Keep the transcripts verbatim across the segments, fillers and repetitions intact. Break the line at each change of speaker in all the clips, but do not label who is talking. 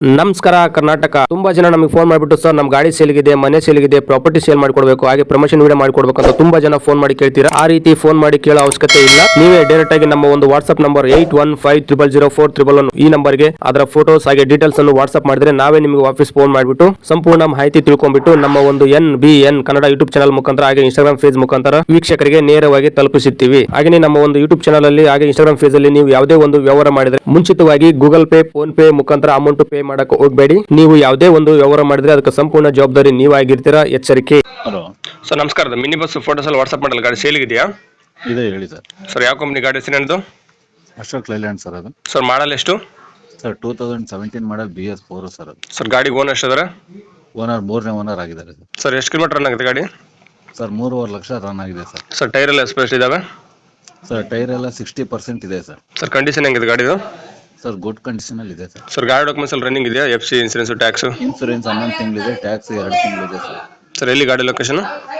ನಮಸ್ಕಾರ ಕರ್ನಾಟಕ. ತುಂಬಾ ಜನ ನಮಗೆ ಫೋನ್ ಮಾಡಿಬಿಟ್ಟು ಸರ್ ನಮ್ಮ ಗಾಡಿ ಸೇಲ್ಗಿದೆ, ಮನೆ ಸೇಲ್ಗಿದೆ, ಪ್ರಾಪರ್ಟಿ ಸೇಲ್ ಮಾಡ್ಕೊಡ್ಬೇಕು, ಹಾಗೆ ಪ್ರಮೋಷನ್ ವಿಡಿಯೋ ಮಾಡ್ಕೊಡ್ಬೇಕು ಅಂತ ತುಂಬಾ ಜನ ಫೋನ್ ಮಾಡಿ ಕೇಳ್ತೀರಾ. ಆ ರೀತಿ ಫೋನ್ ಮಾಡಿ ಕೇಳೋ ಅವಶ್ಯಕತೆ ಇಲ್ಲ. ನೀವೇ ಡೈರೆಕ್ಟ್ ಆಗಿ ನಮ್ಮ ಒಂದು WhatsApp number eight one five triple zero four triple one ಈ ನಂಬರ್ಗೆ ಅದರ ಫೋಟೋಸ್ ಹಾಗೆ ಡೀಟೇಲ್ಸ್ ಅನ್ನು ವಾಟ್ಸ್ಆಪ್ ಮಾಡಿದ್ರೆ ನಾವೇ ನಿಮಗೆ ವಾಪಸ್ ಫೋನ್ ಮಾಡಿಬಿಟ್ಟು ಸಂಪೂರ್ಣ ಮಾಹಿತಿ ತಿಳ್ಕೊಂಡ್ಬಿಟ್ಟು ನಮ್ಮ ಒಂದು N B N Kannada YouTube channel ಮುಖಾಂತರ ಹಾಗೆ ಇನ್ಸ್ಟಾಗ್ರಾಮ್ ಫೇಸ್ ಮುಖಾಂತರ ವೀಕ್ಷಕರಿಗೆ ನೇರವಾಗಿ ತಲುಪಿಸುತ್ತೀವಿ. ಹಾಗೆ ನಮ್ಮ ಒಂದು ಯೂಟ್ಯೂಬ್ ಚಾನಲ್ ಅಲ್ಲಿ ಹಾಗೆ ಇನ್ಸ್ಟಾಗ್ರಾಮ್ ಫೇಸ್ ಅಲ್ಲಿ ನೀವು ಯಾವುದೇ ಒಂದು ವ್ಯವಹಾರ ಮಾಡಿದ್ರೆ ಮುಂಚಿತವಾಗಿ ಗೂಗಲ್ ಪೇ, ಫೋನ್ ಪೇ ಮುಖಾಂತರ ಅಮೌಂಟ್ ಪೇ ಮಾಡಕ್ಕೆ ಹೋಗಬೇಡಿ. ನೀವು ಯಾವುದೇ ಒಂದು ವ್ಯವಹಾರ ಮಾಡಿದ್ರೆ ಅದಕ್ಕೆ ಸಂಪೂರ್ಣ ಜವಾಬ್ದಾರಿ ನೀವಾಗಿರ್ತೀರಾ, ಎಚ್ಚರಿಕೆ.
ಹಲೋ
ಸರ್ ನಮಸ್ಕಾರ. ಮಿನಿ ಬಸ್ ಫೋಟೋಸ್ ಅಲ್ಲಿ ವಾಟ್ಸ್ಆಪ್ ಮಾಡಲ್ಲ, ಗಾಡಿ ಸೇಲ್ ಇದೆಯಾ?
ಇದೆ ಹೇಳಿ ಸರ್.
ಸರ್ ಯಾವ ಕಂಪನಿ ಗಾಡಿ ಹೆಸರು ಏನದು?
ಅಶೋಕ್ ಲೈಲ್ಯಾಂಡ್ ಸರ್. ಅದು
ಸರ್ ಮಾಡಲ್ ಎಷ್ಟು?
Sir two thousand seventeen model B S four sir. ಅದು
ಸರ್ ಗಾಡಿ ಓನರ್ ಎಷ್ಟಿದ್ದಾರೆ?
ಓನರ್ ಮೂರನೇ ಓನರ್ ಆಗಿದ್ದಾರೆ ಸರ್.
ಸರ್ ಎಷ್ಟು ಕಿಲೋಮೀಟರ್ ರನ್ ಆಗಿದೆ ಗಾಡಿ?
ಸರ್ ಮೂರುವರೆ ಲಕ್ಷ ರನ್ ಆಗಿದೆ ಸರ್.
ಸರ್ ಟೈರ್ ಎಲ್ಲ ಎಸ್ಪೆಷಲ್ ಇದಾವೆ?
ಸರ್ ಟೈರ್ ಎಲ್ಲ ಸಿಕ್ಸ್ಟಿ ಪರ್ಸೆಂಟ್ ಇದೆ ಸರ್.
ಸರ್ ಕಂಡೀಷನ್ ಹೆಂಗಿದೆ ಗಾಡಿದು?
ಸರ್ ಗುಡ್ ಕಂಡೀಷನ್ ಅಲ್ಲಿ ಇದೆ ಸರ್.
ಸರ್ ಗಾಡಿ ಡಾಕ್ಯುಮೆಂಟ್ಸ್ ಅಲ್ಲಿ ರನ್ನಿಂಗ್ ಇದೆಯಾ? F C, insurance, tax?
Insurance ಹನ್ನೊಂದು ತಿಂಗಳಿದೆ, ಟ್ಯಾಕ್ಸ್ ಎರಡು ತಿಂಗಳಿದೆ ಸರ್.
ಸರ್ ಎಲ್ಲಿ ಗಾಡಿ ಲೊಕೇಶನ್?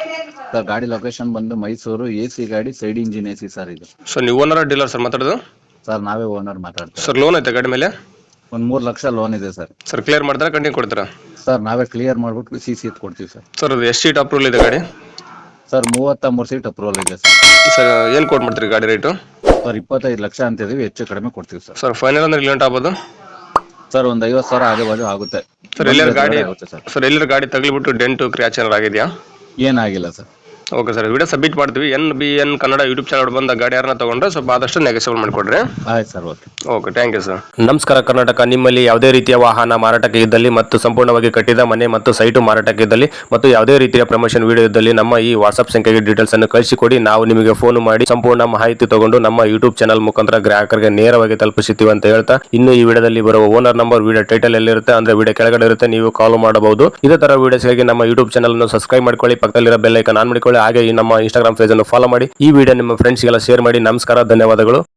ಸರ್ ಗಾಡಿ ಲೊಕೇಶನ್ ಬಂದು ಮೈಸೂರು. ಎ ಸಿ ಗಾಡಿ, side engine A C sir ಇದು.
ಸರ್ ನೀವು ಓನರ್ ಡೀಲರ್ ಸರ್ ಮಾತಾಡೋದು?
ಸರ್ ನಾವೇ ಓನರ್ ಮಾತಾಡ್ತೀವಿ.
ಸರ್ ಲೋನ್ ಐತೆ ಗಾಡಿ ಮೇಲೆ?
ಒಂದು ಮೂರು ಲಕ್ಷ ಲೋನ್ ಇದೆ ಸರ್.
ಸರ್ ಕ್ಲಿಯರ್ ಮಾಡ್ತಾರೆ, ಕಂಟಿನ್ಯೂ ಕೊಡ್ತೀರಾ?
ಸರ್ ನಾವೇ ಕ್ಲಿಯರ್ ಮಾಡ್ಬಿಟ್ಟು ಸಿ ಸಿ ಎತ್ ಕೊಡ್ತೀವಿ ಸರ್.
ಸರ್ ಅದು ಎಷ್ಟು ಸೀಟ್ ಅಪ್ರೂವಲ್ ಇದೆ ಗಾಡಿ?
ಸರ್ ಮೂವತ್ತ ಮೂರು ಸೀಟ್ ಅಪ್ರೂವಲ್ ಇದೆ ಸರ್.
ಸರ್ ಏನು ಕೊಟ್ಟು ಮಾಡ್ತೀರಿ ಗಾಡಿ ರೇಟು?
ಸರ್ ಇಪ್ಪತ್ತೈದು ಲಕ್ಷ ಅಂತಿದೀವಿ, ಹೆಚ್ಚು ಕಡಿಮೆ ಕೊಡ್ತೀವಿ ಸರ್.
ಸರ್ ಫೈನಲ್ ಅಂದ್ರೆ ಲಿಮಿಟ್ ಆಗ್ಬೋದು?
ಸರ್ ಒಂದು ಐವತ್ತು ಸಾವಿರ ಆಗಿ ಬಾಜು ಆಗುತ್ತೆ
ಸರ್. ಎಲ್ಲರ ಗಾಡಿ
ಆಗುತ್ತೆ ಸರ್.
ಸರ್ ಎಲ್ಲರ ಗಾಡಿ ತಗಲಿಬಿಟ್ಟು ಡೆಂಟು ಕ್ರ್ಯಾಚ್ ಏನಾರು ಆಗಿದೆಯಾ?
ಏನಾಗಿಲ್ಲ sir.
Okay sir, video submit ಮಾಡ್ತೀವಿ. N B N Kannada YouTube channel ಬಂದ ಗಾಡಿ ಯಾರನ್ನ ತಗೊಂಡ್ರೆ ಸ್ವಲ್ಪ ಆದಷ್ಟು ನೆಗೆಸಿಬಲ್ ಮಾಡಿಕೊಡ್ರಿ.
ಆಯ್ತು sir. Okay
okay, thank you sir. ನಮಸ್ಕಾರ ಕರ್ನಾಟಕ. ನಿಮ್ಮಲ್ಲಿ ಯಾವುದೇ ರೀತಿಯ ವಾಹನ ಮಾರಾಟಕ್ಕೆ ಇದ್ದಲ್ಲಿ ಮತ್ತು ಸಂಪೂರ್ಣವಾಗಿ ಕಟ್ಟಿದ ಮನೆ ಮತ್ತು ಸೈಟು ಮಾರಾಟಕ್ಕೆ ಇದ್ದಲ್ಲಿ ಮತ್ತು ಯಾವುದೇ ರೀತಿಯ ಪ್ರಮೋಷನ್ ವಿಡಿಯೋ ಇದ್ದಲ್ಲಿ ನಮ್ಮ ಈ ವಾಟ್ಸ್ಆಪ್ ಸಂಖ್ಯೆಗೆ ಡೀಟೇಲ್ಸ್ ಅನ್ನು ಕಳಿಸಿಕೊಡಿ. ನಾವು ನಿಮಗೆ ಫೋನ್ ಮಾಡಿ ಸಂಪೂರ್ಣ ಮಾಹಿತಿ ತಗೊಂಡು ನಮ್ಮ ಯೂಟ್ಯೂಬ್ ಚಾನಲ್ ಮುಖಾಂತರ ಗ್ರಾಹಕರಿಗೆ ನೇರವಾಗಿ ತಲುಪಿಸುತ್ತೀವಿ ಅಂತ ಹೇಳ್ತಾ, ಇನ್ನು ಈ ವಿಡಿಯೋದಲ್ಲಿ ಬರುವ ಓನರ್ ನಂಬರ್ ವಿಡಿಯೋ ಟೈಟಲ್ ಎಲ್ಲಿರುತ್ತೆ ಅಂದ್ರೆ ವಿಡಿಯೋ ಕೆಳಗಡೆ ಇರುತ್ತೆ, ನೀವು ಕಾಲ್ ಮಾಡಬಹುದು. ಇದೇ ತರ ವಿಡಿಯೋಸ್ಗಾಗಿ ನಮ್ಮ ಯೂಟ್ಯೂಬ್ ಚಾನಲ್ ಅನ್ನು ಸಬ್ಸ್ಕ್ರೈಬ್ ಮಾಡ್ಕೊಳ್ಳಿ, ಪಕ್ಕದಲ್ಲಿರೋ ಬೆಲ್ ಐಕಾನ್ ಆನ್ ಮಾಡಿಕೊಳ್ಳಿ, ಹಾಗೆ ಈ ನಮ್ಮ ಇನ್ಸ್ಟಾಗ್ರಾಮ್ ಪೇಜ್ ಅನ್ನು ಫಾಲೋ ಮಾಡಿ. ಈ ವಿಡಿಯೋ ನಿಮ್ಮ ಫ್ರೆಂಡ್ಸ್ಗೆಲ್ಲ ಶೇರ್ ಮಾಡಿ. ನಮಸ್ಕಾರ, ಧನ್ಯವಾದಗಳು.